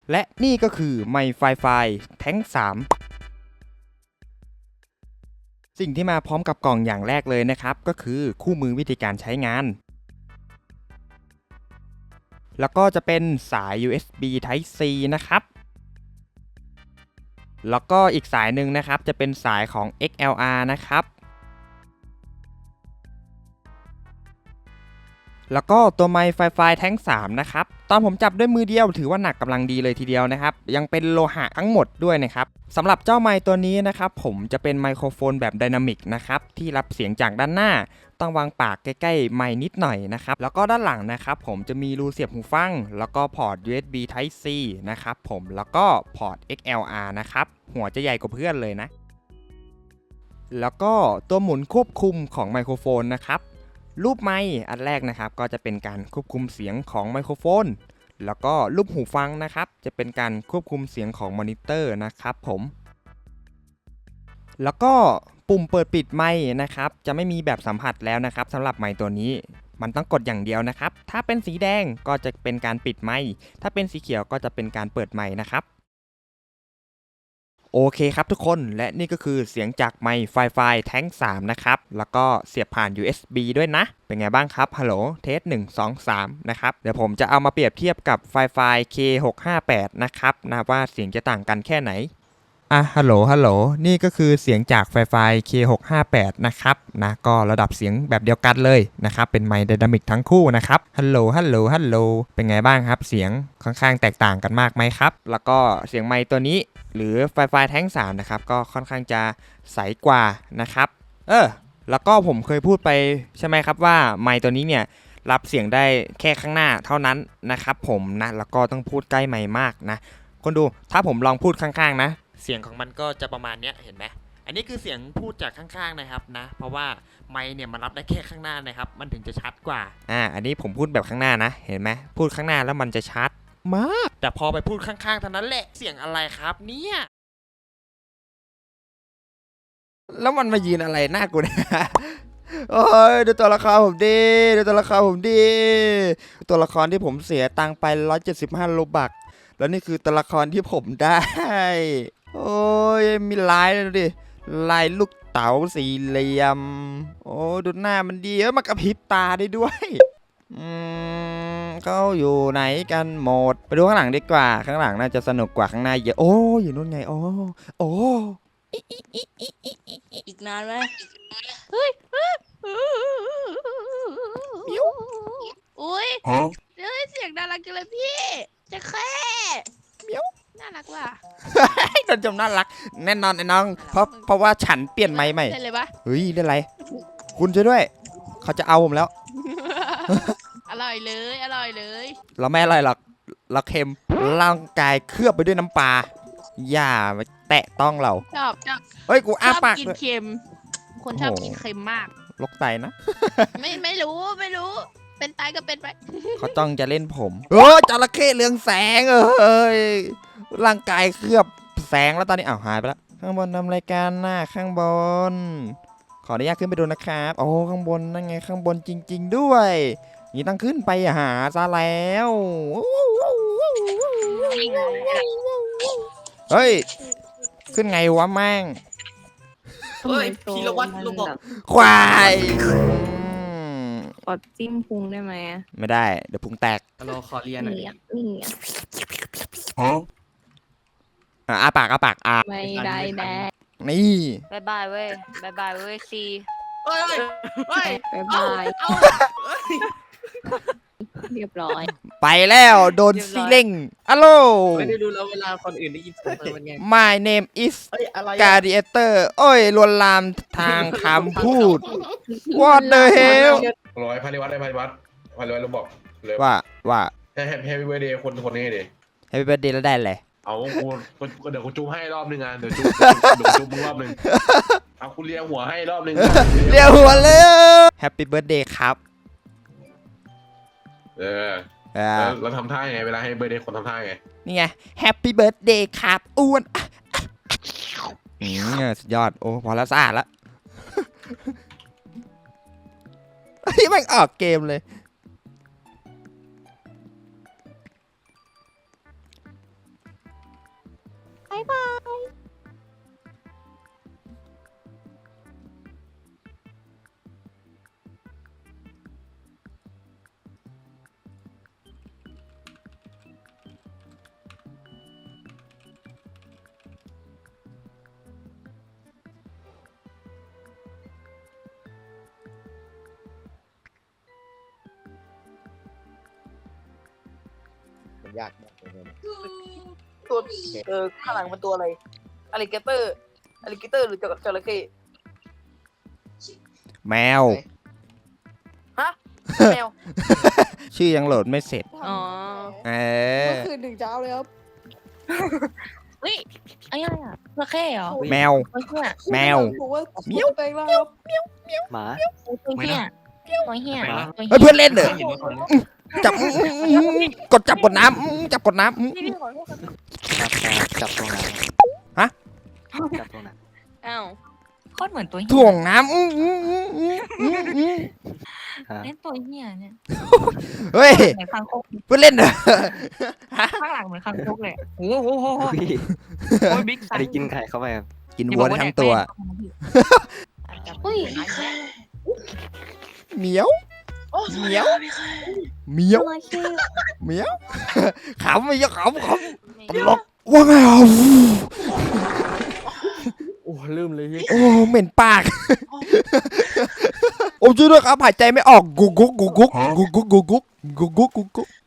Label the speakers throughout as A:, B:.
A: และนี่ก็คือไมค์ไฟแท้ง3สิ่งที่มาพร้อมกับกล่องอย่างแรกเลยนะครับก็คือคู่มือวิธีการใช้งานแล้วก็จะเป็นสาย USB Type C นะครับแล้วก็อีกสายหนึ่งนะครับจะเป็นสายของ XLR นะครับแล้วก็ตัวไมค์ไฟแท้ง3นะครับตอนผมจับด้วยมือเดียวถือว่าหนักกำลังดีเลยทีเดียวนะครับยังเป็นโลหะทั้งหมดด้วยนะครับสำหรับเจ้าไมค์ตัวนี้นะครับผมจะเป็นไมโครโฟนแบบไดนามิกนะครับที่รับเสียงจากด้านหน้าต้องวางปากใกล้ๆไมค์นิดหน่อยนะครับแล้วก็ด้านหลังนะครับผมจะมีรูเสียบหูฟังแล้วก็พอร์ต USB Type C นะครับผมแล้วก็พอร์ต XLR นะครับหัวจะใหญ่กว่าเพื่อนเลยนะแล้วก็ตัวหมุนควบคุมของไมโครโฟนนะครับรูปไมค์อันแรกนะครับก็จะเป็นการควบคุมเสียงของไมโครโฟนแล้วก็รูปหูฟังนะครับจะเป็นการควบคุมเสียงของมอนิเตอร์นะครับผมแล้วก็ปุ่มเปิดปิดไมค์นะครับจะไม่มีแบบสัมผัสแล้วนะครับสำหรับไมค์ตัวนี้มันต้องกดอย่างเดียวนะครับถ้าเป็นสีแดงก็จะเป็นการปิดไมค์ถ้าเป็นสีเขียวก็จะเป็นการเปิดไมค์นะครับโอเคครับทุกคนและนี่ก็คือเสียงจากไมค์ไฟแท้ง3นะครับแล้วก็เสียบผ่าน USB ด้วยนะเป็นไงบ้างครับฮัลโหลเทส1 2 3นะครับเดี๋ยวผมจะเอามาเปรียบเทียบกับไฟ K658 นะครับนะว่าเสียงจะต่างกันแค่ไหนฮัลโหลนี่ก็คือเสียงจากไฟ K658 นะครับนะก็ระดับเสียงแบบเดียวกันเลยนะครับเป็นไมค์ไดนามิกทั้งคู่นะครับฮัลโหลเป็นไงบ้างครับเสียงค่อนข้างแตกต่างกันมากไหมครับแล้วก็เสียงไมค์ตัวนี้หรือไฟแท้ง3นะครับก็ค่อนข้างจะใสกว่านะครับแล้วก็ผมเคยพูดไปใช่ไหมครับว่าไมค์ตัวนี้เนี่ยรับเสียงได้แค่ข้างหน้าเท่านั้นนะครับผมนะแล้วก็ต้องพูดใกล้ไมค์มากนะคนดูถ้าผมลองพูดข้างๆนะเสียงของมันก็จะประมาณนี้เห็นไหมอันนี้คือเสียงพูดจากข้างๆนะครับนะเพราะว่าไมค์เนี่ยมันรับได้แค่ข้างหน้านะครับมันถึงจะชัดกว่าอันนี้ผมพูดแบบข้างหน้านะเห็นไหมพูดข้างหน้าแล้วมันจะชัดมากแต่พอไปพูดข้างๆเท่านั้นแหละเสียงอะไรครับเนี่ยแล้วมันมายืนอะไรหน้ากูเนี่ยโอ้ยดูตัวละครผมดีตัวละครที่ผมเสียตังค์ไป175โลบักแล้วนี่คือตัวละครที่ผมได้โอ้ยมีลายเลยดิลายลูกเต๋าสี่เหลี่ยมโอ้ดูหน้ามันดีมันกระพริบตาได้ด้วยเขาอยู่ไหนกันหมดไปดูข้างหลังดีกว่าข้างหลังน่าจะสนุกกว่าข้างหน้าเยอะโอ้อยู่นู่นไงโอ้
B: อีกนานไหมเฮ้ย
A: มิว
B: อุ้ยเฮ้ยเสียงน่ารักจังเลยพี่จะแค่
A: มิว
B: น่ารักว่ะ
A: โดนจมน่ารักแน่นอนไอ้น้องเพราะว่าฉันเปลี่ยนไม้ใหม่
B: ได้เลยปะ
A: เฮ้ยได้ไรคุณช่วยด้วยเขาจะเอาผมแล้ว
B: อร่อยเลย
A: เราไม่อร่อยหรอกเราเค็มร่างกายเคลือบไปด้วยน้ำปลาอย่ามาแตะต้องเรา
B: ชอบ
A: เฮ้ยกูอ้าปาก
B: กิน
A: เลย
B: เค็มคนชอบกินเค็มมาก
A: ลกไตนะ
B: ไม่รู้เป็นตายก็เป็นไป
A: เขาจ้องจะเล่นผมจระเข้เรืองแสงร่างกายเคลือบแสงแล้วตอนนี้หายไปแล้วข้างบนทำรายการหน้าข้างบนขออนุญาตขึ้นไปดูนะครับโอ้ข้างบนนั่นไงข้างบนจริงๆด้วยนี่ต้องขึ้นไปหาซะแล้วเฮ้ยขึ้นไงวะแม่ง
C: เฮ้ยพีรวัตรลูกบอก
A: ควาย
D: ขอจิ้มพุงได้ไหม
A: ไม่ได้เดี๋ยวพุงแตก
C: รอขอเรียนหน่อย
A: อ้าปาก
D: ไม่ได้แดก
A: นี่
B: บายบายเว้ยซี
C: เฮ้ย
D: บายบายเรียบร้อย
A: ไปแล้วโดนซีเล่งอัลโหล
C: ไม่ได้ดูแล้วเวลาคนอื่นได้ยินเสียงเป็นไง
A: My name is Gladiator โอ้ยลวนลามทางคำพูด What the hell
E: ร้อยพาริวัตรเราบอกเลย
A: ว่า
E: แฮปปี้เบอร์เดย์คนนี้ดิ
A: Happy birthday แล้วได้เลย
E: เอาเดี๋ยวกูจูบให้รอบนึงเดี๋ยวจูบมึงรอบนึงเอาคุณเลียหัวให้รอบนึง
A: เรียกหัวเลย Happy birthday ครับ
E: เราทำท่าไงเวลาให้เบอร์เดย์คนทำท่าไง
A: นี่ไง Happy birthday ครับอ้วนสุดยอดโอ้พอแล้วสะอาดแล้วที่มันออกเกมเลย
D: บ๊ายบาย
F: มันยากมากเลยนะ
G: ตัวข้างหลังมันตัวอะไรอลิเกเตอร์หรือจระเข้
A: แมว
G: ฮะแมว
A: ชื่อยังโหลดไม่เสร็จ
D: อ๋อ
A: เออ
H: เมื่อคืนถึงเช้าเลยครับ
B: เฮ้ยไอ้อะไรอ่ะจระเข้เหรอ
A: แมว
B: ตัวเหี้ย
A: แมว
H: บอกว่า
A: เมี้ยว
H: แปลงร่างครับ
F: หมา
B: ตัวเหี้ยตัวเหี้ย
A: เฮ้ยเพื่อนเล่นเหรอ
C: เห็นว่าคนนี้
A: จับกดจับกดน้ำจับกดน้ำ
B: พี่ขอโทษครับ
F: จับตรงไหน
A: ฮะ
F: จับตรงไหน
D: อ้าว
B: โคตรเหมือนตัวเหี้ย
A: ถ่วงน้ำ
F: ฮะ
B: เล่นตัวเหี้ยเนี่ย
A: เฮ้ย
B: เหมือนคางคก
A: เพื่อนเล่นเหรอ
B: ข้างหลังเหมือนคางคกเลยโอ้โห
F: พี่
B: โอ้ยบิ๊กไซ
F: อันนี้
B: ส์
F: กินไข่เข้าไปครับ
A: กินวัวได้ทั้งตัว
B: อุ้ย
A: เหมียว เหมียว เหมียว เหมียว ขำไม่ยอะขำตลกว่าไงอ่ะ
F: โอ้ลืมเลยพี่
A: โอ้เหม็นปาก โอ้ช่วยด้วยครับหายใจไม่ออกกุกกุกกุกกุกกุกกุกกุกกุกกุกกุกกุกกุก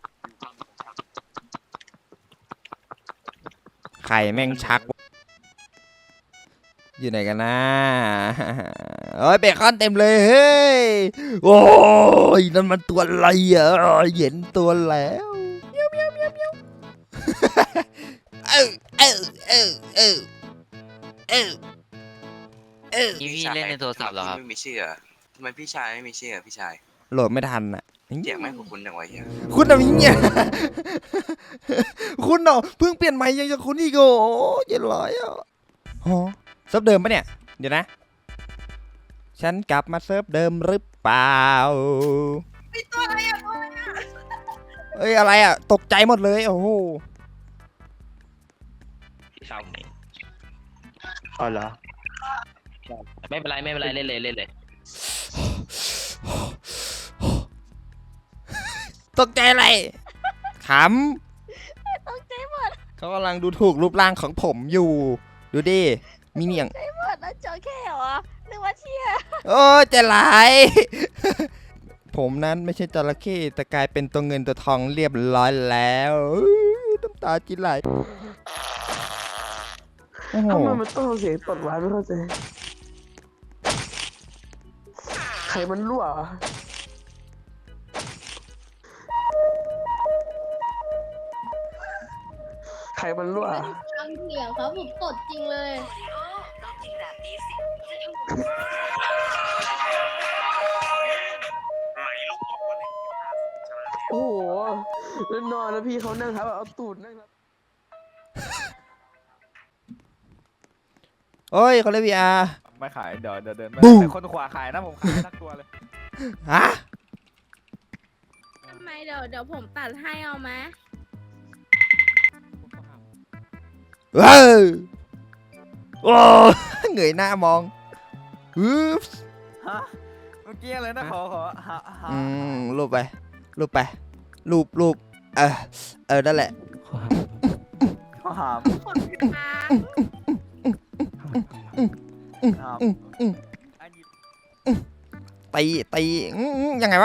A: ไข่แม่งชัก อยู่ไหนกันนะเฮ้ยเบคอนเต็มเลยเฮ้ยโอ้ยนั่นมันตัวอะไรอ่ะเห็นตัวแล้วเมียวเมียวเมียวเมียว
I: พี่เล่นในโทรศัพท์เหรอครับไม่มีชื่อทำไมพี่ชายไม่มีชื่อพี่ชาย
A: โหลดไม่ทันอ่ะ
I: เสียงไม่ของคุณจังวะเฮีย
A: คุณเอาอย่างเงี้ยคุณเนาะเพิ่งเปลี่ยนใหม่ยังจะคุณอีกโอ้เย็นร้อยอ่ะฮะเซิร์ฟเดิมปะเนี่ยเดี๋ยวนะฉันกลับมาเซิร์ฟเดิมหรือเปล่า
G: ตัวอะไรอ่ะ
A: เอ้ยอะไรอ่ะตกใจหมดเลยโอ้โห
F: อ๋อเหรอ
C: ไม่เป็นไรเล่นเลย
A: ตกใจอะไรข
B: ตกใจหมด
A: ำเขากำลังดูถูกรูปร่างของผมอยู่ ดูดิ มีเหนียง
B: หมดแล้วจระเข้เหรอนึกว่าเชี่ย
A: โอ้ใจะหลาย ผมนั้นไม่ใช่จระเข้แต่กลายเป็นตัวเงินตัวทองเรียบร้อยแล้วน้ำตาจิไหลโอ้โห
H: ทำไมมันต้องเสียงตดหวานไม่เข้าใจไข่มันรั่วเหรอไข่มันรั่ว
J: ฟังเสียงครับผมตดจริงเลย
H: โอ้โหแล้วนอนแล้วพี่เขานั่งครับเอาตูดนั่งครับ
A: โอ้ยเขาเล่น VR
K: ไม่ขายเดี๋ยวเดินไป
A: บู๊
K: แต่คนขวาขายนะผมขายทั้งตัวเลย
A: ฮะ
B: ทำไมเดี๋ยวผมตัดให้เอาไหม
A: เว้ยโอ้เงยหน้ามองฮึบ
K: ฮะเมื่อกี้อะไรนะขอหา
A: รูปไปรูปนั่นแหละ
K: ขอหาม
B: คนกลาง
K: หาม
A: ตียังไงวะ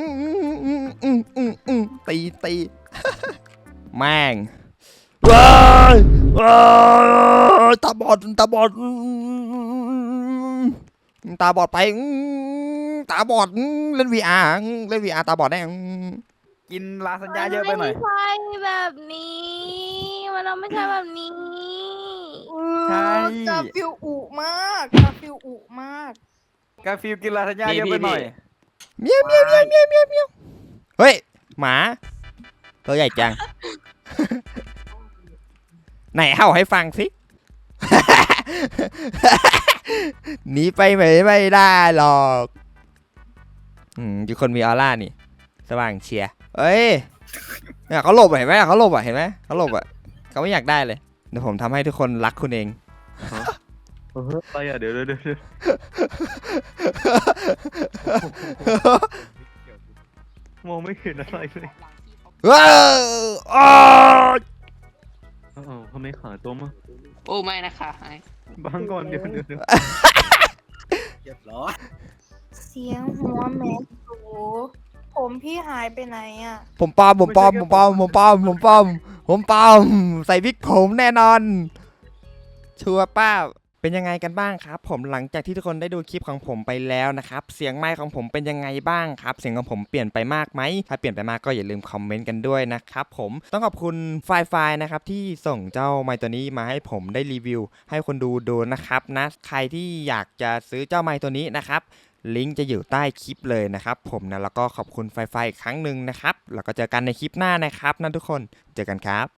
A: ตีแม่งว้ายตาบอดไปตาบอดเล่น VR ตาบอดแน่
K: กินลาสัญญาเยอะไปหน่อย
B: มันไม่ใช่แบบนี้มันไม่ใช่แบบนี้
K: ใช่
G: กาฟิวอุมากกาฟิวอุมาก
K: กาฟิลกินลาสัญญาเยอะไปหน่อย
A: เมียวเฮ้ยหมาตัวใหญ่จัง ไหนเห่าให้ฟังสิ หนีไปไม่ได้หรอกอยู่คนมีออร่านี่สว่างเชียร์เอ้ยเนี่ยเขาหลบเห็นไหมเขาหลบเขาไม่อยากได้เลยเดี๋ยวผมทำให้ทุกคนรักคุณเอง
F: อะไรอ่ะเดี๋ยวมองไม่เห็นอะไรเลย
A: ว้าวอ้าว
F: อ้าวทำไมขาตัวมา
G: โอ้ไม่นะคะ
F: บางก่อนเดี๋ยว
D: เสียงหัวแม่สูผมพี่หายไปไหนอ่ะ
A: ผมปลอมใส่วิกผมแน่นอน ชัวร์ป้าเป็นยังไงกันบ้างครับ ผมหลังจากที่ทุกคนได้ดูคลิปของผมไปแล้วนะครับ เสียงไมค์ของผมเป็นยังไงบ้างครับ เสียงของผมเปลี่ยนไปมากไหมถ้าเปลี่ยนไปมากก็อย่าลืมคอมเมนต์กันด้วยนะครับผมต้องขอบคุณไฟนะครับที่ส่งเจ้าไมค์ตัวนี้มาให้ผมได้รีวิว ให้คนดูนะครับนะใครที่อยากจะซื้อเจ้าไมค์ตัวนี้นะครับลิงก์จะอยู่ใต้คลิปเลยนะครับผมนะแล้วก็ขอบคุณไฟอีกครั้งหนึ่งนะครับแล้วก็เจอกันในคลิปหน้านะครับนะทุกคนเจอกันครับ